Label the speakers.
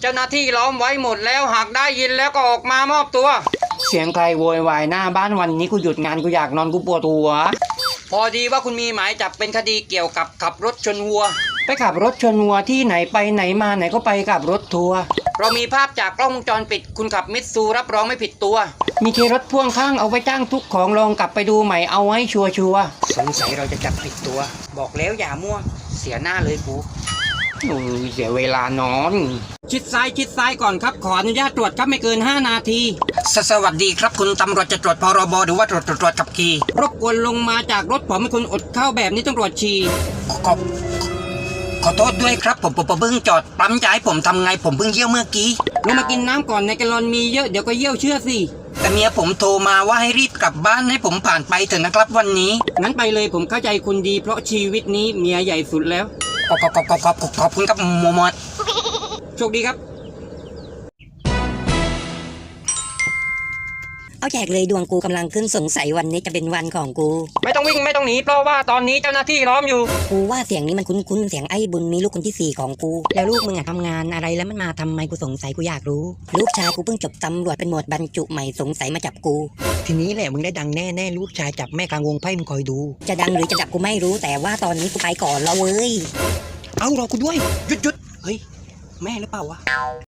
Speaker 1: เจ้าหน้าที่ล้อมไว้หมดแล้วหากได้ยินแล้วก็ออกมามอบตัวเสียงใครโวยวายหน้าบ้านวันนี้กูหยุดงานกูอยากนอนกูปวดหัวพอดีว่าคุณมีหมายจับเป็นคดีเกี่ยวกับขับรถชนวัวไปขับรถชนวัวที่ไหนไปไหนมาไหนก็ไปกับรถทัวร์เรามีภาพจากกล้องวงจรปิดคุณขับมิตซูรับรองไม่ผิดตัวมีเครถพ่วงข้างเอาไว้จ้างทุกของลองกลับไปดูใหม่เอาไว้ชัวร์สงสัยเราจะจับผิดตัวบอกแล้วอย่ามั่วเสียหน้าเลยกูเสียเวลานอนชิดซ้ายก่อนครับขออนุญาตตรวจครับไม่เกิน5 นาทีสวัสดีครับคุณตำรวจจะตรวจพรบหรือว่าตรวจขับขี่รบกวนลงมาจากรถผมให้คุณอดเข้าแบบนี้ต้องตรวจฉี่ขอโทษด้วยครับผมเพิ่งจอดปั๊มจะให้ผมทำไงผมเพิ่งเยี่ยวเมื่อกี้ลงมากินน้ำก่อนในแกลลอนมีเยอะเดี๋ยวก็เยี่ยวเชื่อสิแต่เมียผมโทรมาว่าให้รีบกลับบ้านให้ผมผ่านไปเถอะนะครับวันนี้งั้นไปเลยผมเข้าใจคุณดีเพราะชีวิตนี้เมียใหญ่สุดแล้วขอบคุณครับหมดโชคดีครับ
Speaker 2: เอาแจกเลยดวงกูกำลังขึ้นสงสัยวันนี้จะเป็นวันของกู
Speaker 1: ไม่ต้องวิ่งไม่ต้องหนีเพราะว่าตอนนี้เจ้าหน้าที่ล้อมอยู่
Speaker 2: กูว่าเสียงนี้มันคุ้นเสียงไอ้บุญมีลูกคนที่4ของกูแล้วลูกมึงอะทำงานอะไรแล้วมันมาทำไมกูสงสัยกูอยากรู้ลูกชายกูเพิ่งจบตำรวจเป็นหมวดบรรจุใหม่สงสัยมาจับกู
Speaker 1: ทีนี้แหละมึงได้ดังแน่ลูกชายจับแม่กลางวงไพ่มึงคอยดู
Speaker 2: จะดังหรือจะจับกูไม่รู้แต่ว่าตอนนี้กูไปก่อนแล้วเว้ย
Speaker 1: เอารอกูด้วยหยุดเฮ้ยแม่หรือเปล่าวะ